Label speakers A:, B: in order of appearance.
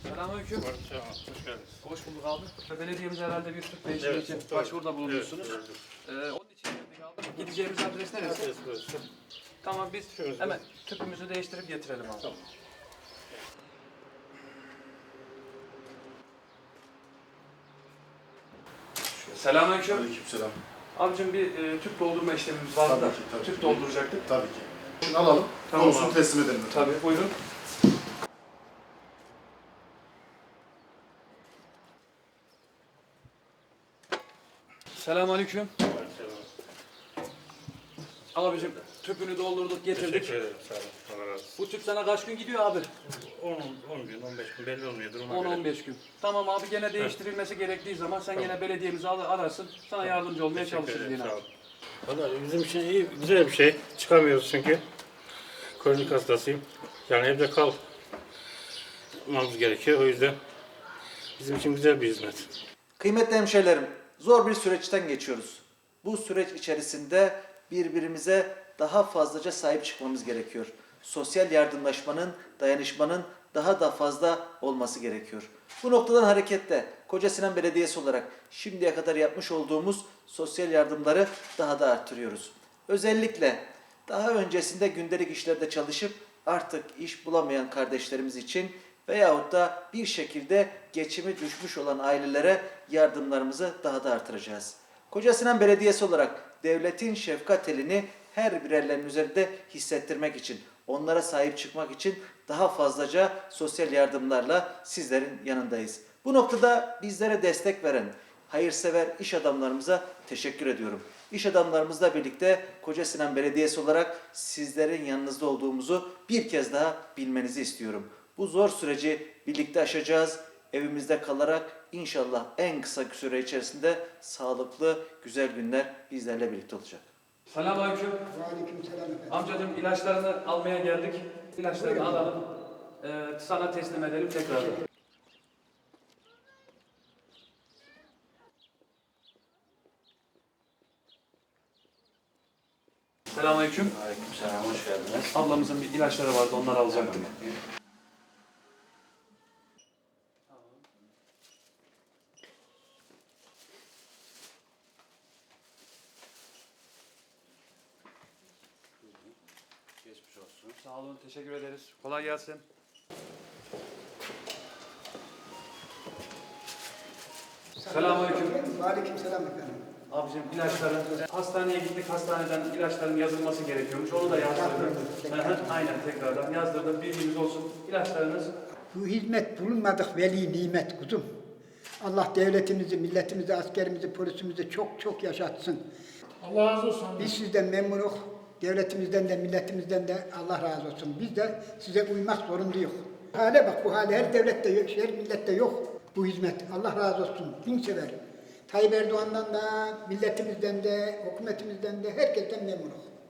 A: Selamünaleyküm.
B: Selam, hoş geldiniz.
A: Hoş bulduk abi. Belediyemiz herhalde bir tüp değişimi için başvuruda bulunmuşsunuz. Onun için geldik abi. Gideceğimiz adres neresi?
B: Adres burası.
A: Tamam biz
B: Şurası.
A: hemen tüpümüzü değiştirip getirelim abi.
B: Tamam.
A: Selamünaleyküm.
C: Aleykümselam.
A: Abicim bir tüp doldurma işlemimiz vardı da.
C: Tabii ki, tabii
A: Tüp
C: ki.
A: dolduracaktık.
C: Tabii ki. Şimdi alalım.
A: Tamam
C: Konusunu
A: abi.
C: teslim edelim.
A: Tabii buyurun. Selamünaleyküm.
B: Selam.
A: Abicim tüpünü doldurduk getirdik.
B: Teşekkür ederim, sağ olun. Allah razı olsun.
A: Bu tüp sana kaç gün gidiyor abi?
B: 10 gün, 15 gün belli olmuyordur ona göre.
A: 10-15 gün. Tamam abi gene değiştirilmesi gerektiği zaman sen gene belediyemizi ararsın. Sana yardımcı olmaya
B: Teşekkür
A: çalışırız
B: ederim,
A: yine.
B: sağ olun. Valla bizim için iyi, güzel bir şey. Çıkamıyoruz çünkü. Kronik hastasıyım. Yani evde kalmamız gerekiyor. O yüzden bizim için güzel bir hizmet.
D: Kıymetli hemşehrilerim, zor bir süreçten geçiyoruz. Bu süreç içerisinde birbirimize daha fazlaca sahip çıkmamız gerekiyor. Sosyal yardımlaşmanın, dayanışmanın daha da fazla olması gerekiyor. Bu noktadan hareketle Kocasinan Belediyesi olarak şimdiye kadar yapmış olduğumuz sosyal yardımları daha da arttırıyoruz. Özellikle daha öncesinde gündelik işlerde çalışıp artık iş bulamayan kardeşlerimiz için veyahut da bir şekilde geçimi düşmüş olan ailelere yardımlarımızı daha da artıracağız. Kocasinan Belediyesi olarak devletin şefkat elini her birerlerinin üzerinde hissettirmek için, onlara sahip çıkmak için daha fazlaca sosyal yardımlarla sizlerin yanındayız. Bu noktada bizlere destek veren hayırsever iş adamlarımıza teşekkür ediyorum. İş adamlarımızla birlikte Kocasinan Belediyesi olarak sizlerin yanınızda olduğumuzu bir kez daha bilmenizi istiyorum. Bu zor süreci birlikte aşacağız. Evimizde kalarak inşallah en kısa süre içerisinde sağlıklı, güzel günler bizlerle birlikte olacak.
A: Selamünaleyküm.
E: Aleykümselam efendim.
A: Amcacığım ilaçlarını almaya geldik. İlaçlarını alalım. Sana teslim edelim tekrar. Selamünaleyküm.
F: Aleykümselam, hoş geldiniz.
A: Ablamızın bir ilaçları vardı, onları alacaktık.
F: Geçmiş olsun.
A: Sağ olun, teşekkür ederiz. Kolay gelsin. Selamünaleyküm.
E: Aleykümselam efendim.
A: Abicim ilaçların, hastaneye gittik, hastaneden ilaçların yazılması gerekiyormuş. Onu da yazdırdım. Aynen tekrardan yazdırdım. Bilginiz olsun. İlaçlarınız
E: Bu hizmet bulunmadık veli nimet kuzum. Allah devletimizi, milletimizi, askerimizi, polisimizi çok çok yaşatsın.
B: Allah razı olsun.
E: Biz sizden memnunuz. Devletimizden de milletimizden de Allah razı olsun. Biz de size uymak zorundayız. Hale bak, bu hale her devlette yok, her millette yok bu hizmet. Allah razı olsun. Bin sever. Tayyip Erdoğan'dan da, milletimizden de, hükümetimizden de herkesten memnunuz.